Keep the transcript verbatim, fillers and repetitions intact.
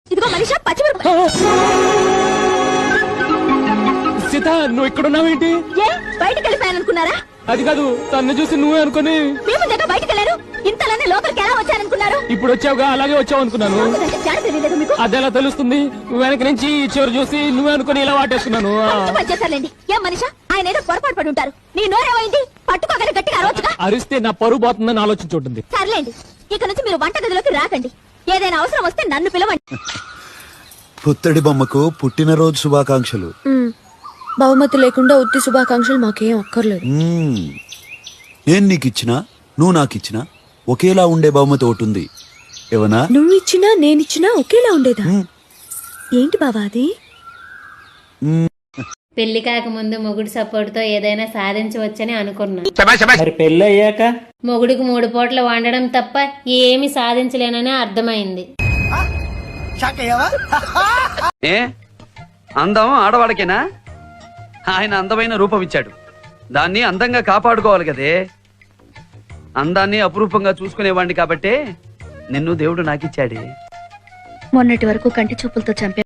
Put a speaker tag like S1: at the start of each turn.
S1: ఇదిగో మనిషి పచ్చిమిరపకాయ.
S2: సీత నువ్వు ఇక్కడ ఉన్నావేంటి?
S1: ఏ బయటికి వెళ్ళిపోయాననుకున్నారా?
S2: అది కాదు, తన్ను చూసి నువ్వే అనుకుని
S1: మేము దగ్గర బయటికి వెళ్ళారు. ఇంతలోనే లోపలికి ఎలా వచ్చారనుకున్నారు?
S2: ఇప్పుడు వచ్చావుగా, అలాగే వచ్చావు అనుకున్నాను.
S1: తెలియలేదు మీకు?
S2: అదెలా తెలుస్తుంది? వెనక నుంచి చివరి చూసి నువ్వే అనుకుని ఇలా వాటేసుకున్నాను.
S1: చేశారులేండి. ఏం మనిషా, ఆయన ఏదో పొరపాటు పడి ఉంటారు. నీ నోరేమైంది? పట్టుకోగలి గట్టిగా అరవచ్చుగా.
S2: అరిస్తే నా పరువు పోతుందని ఆలోచించుంటుంది.
S1: సర్లేండి, ఇక నుంచి మీరు వంట గదిలోకి రాకండి. ఏదైనా అవసరం వస్తే నన్ను పిలవండి.
S3: పుత్తడి బొమ్మకు పుట్టినరోజు శుభాకాంక్షలు.
S4: బహుమతి లేకుండా ఉత్తి శుభాకాంక్షలు మాకేం అక్కర్లేదు.
S3: నేను నీకిచ్చినా నువ్వు నాకిచ్చినా ఒకేలా ఉండే బహుమతి ఒకటి ఉంది. ఏవనా?
S4: నువ్వు ఇచ్చినా నేనిచ్చినా ఒకేలా ఉండేదా? ఏంటి బావా అది?
S5: పెళ్లి కాకముందు మొగుడు సపోర్ట్ తో ఏదైనా సాధించవచ్చని అనుకున్నా.
S2: మరి పెళ్లి అయ్యాక
S5: మొగుడికి మూడు పూట్ల వండడం తప్ప ఏమి సాధించలేనని అర్థమైంది.
S6: ఏ అందం ఆడవాడికేనా? ఆయన అందమైన రూపం ఇచ్చాడు, దాన్ని అందంగా కాపాడుకోవాలి కదే. అందాన్ని అపురూపంగా చూసుకునేవాడిని కాబట్టే నిన్ను దేవుడు నాకిచ్చాడే.
S1: మొన్నటి వరకు కంటి చూపులతో చంపే